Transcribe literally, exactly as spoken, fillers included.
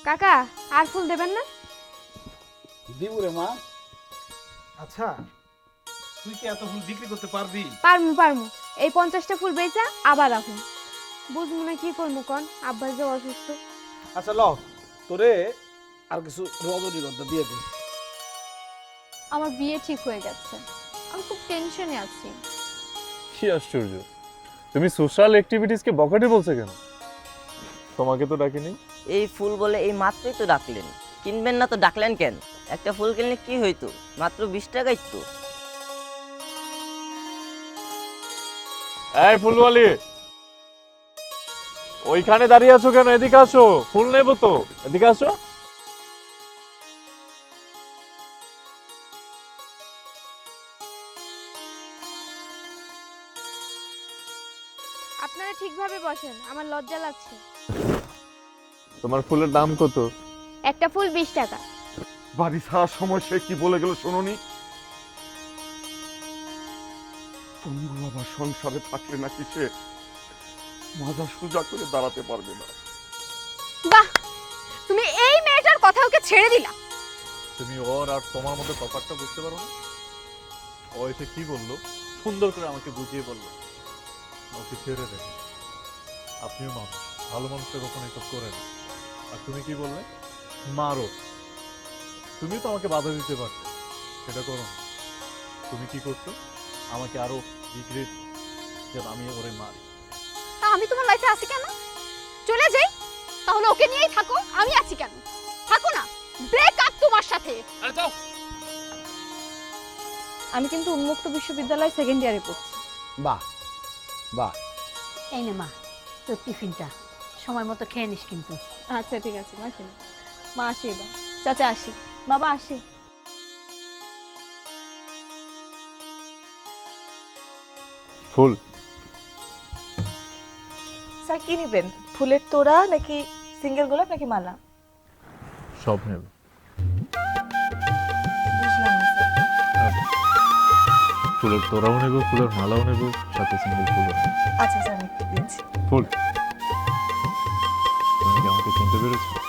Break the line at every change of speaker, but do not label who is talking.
কাকা আর ফুল দেবেন না?
দিব রে মা। আচ্ছা তুই কি এত ফুল বিক্রি করতে পারবি?
পারমু পারমু এই পঞ্চাশটা ফুল বেচা আবার রাখুন। বুঝবো না কি করবো কন, আব্বা যে অসুস্থ।
আচ্ছা ল তোরে আর কিছু রজনীগন্ধা দিয়ে দিই।
আমার বিয়ে ঠিক হয়ে গেছে, আমি খুব টেনশনে আছি।
কি আশ্চর্য, তুমি সোশ্যাল অ্যাক্টিভিটিসকে বখাটে বলছো কেন? তোমাকে তো ডাকিনি।
এই ফুল বলে এই মাত্রই তো ডাকলেন, কিনবেন না তো ডাকলেন কেন? একটা ফুল কিনলে কি হইতো, মাত্র বিশ টাকাই তো।
এই ফুলওয়ালি, ওইখানে দাঁড়িয়ে আছো কেন? এদিকে আসো, ফুল নেবো তো, এদিকে আসো।
আপনারা ঠিকভাবে বসেন, আমার লজ্জা লাগছে।
তোমার ফুলের দাম কত?
একটা ফুল বিশ টাকা।
বাড়ি ছাড়ার সময় সে কি বলে গেল শোনোনি? পঙ্গু আবার সংসারে থাকলে নাকি সে মাজা সোজা করে দাঁড়াতে পারবে না।
বাহ, তুমি এই মেয়েটার কথা ওকে ছেড়ে দিলা।
তুমি ওর আর তোমার মধ্যে তফাৎটা বুঝতে পারো না? ও এসে কি বললো, সুন্দর করে আমাকে বুঝিয়ে বললো ওকে ছেড়ে দেন, আপনিও মানুষ, ভালো মানুষটা কখনো এসব করে না। আর তুমি কি বললে? মারো। তুমি তো আমাকে বাধা দিতে পারতে, সেটা করো না। তুমি কি করছো? আমাকে আরো রিগ্রেট যে আমি ওরে মারি।
তা আমি তোমার লাইফে আছি কেন? চলে যাই, তাহলে ওকে নিয়েই থাকো। আমি আছি কেন? থাকো না, ব্রেক আপ তোমার সাথে। আমি কিন্তু উন্মুক্ত বিশ্ববিদ্যালয় সেকেন্ড ইয়ারে পড়ছি।
বাহ বাহ।
এই নে মা তোর টিফিনটা, সময় মতো খেয়ে নিস কিন্তু।
আচ্ছা ঠিক আছে মা, খেলে মা আসি এবার। চাচা আসি, বাবা আসি।
ফুল
স্যার কি নেবেন? ফুলের তোড়া নাকি সিঙ্গেল গোলাপ নাকি মালা?
সব নেব।
বুঝলাম না স্যার।
ফুলের তোড়াও নেব, ফুলের মালাও নেব, সাথে সিঙ্গেল ফুলও নেব।
আচ্ছা স্যার আমি দিচ্ছি।
ফুল, তুমি কি আমাকে চিনতে পেরেছো?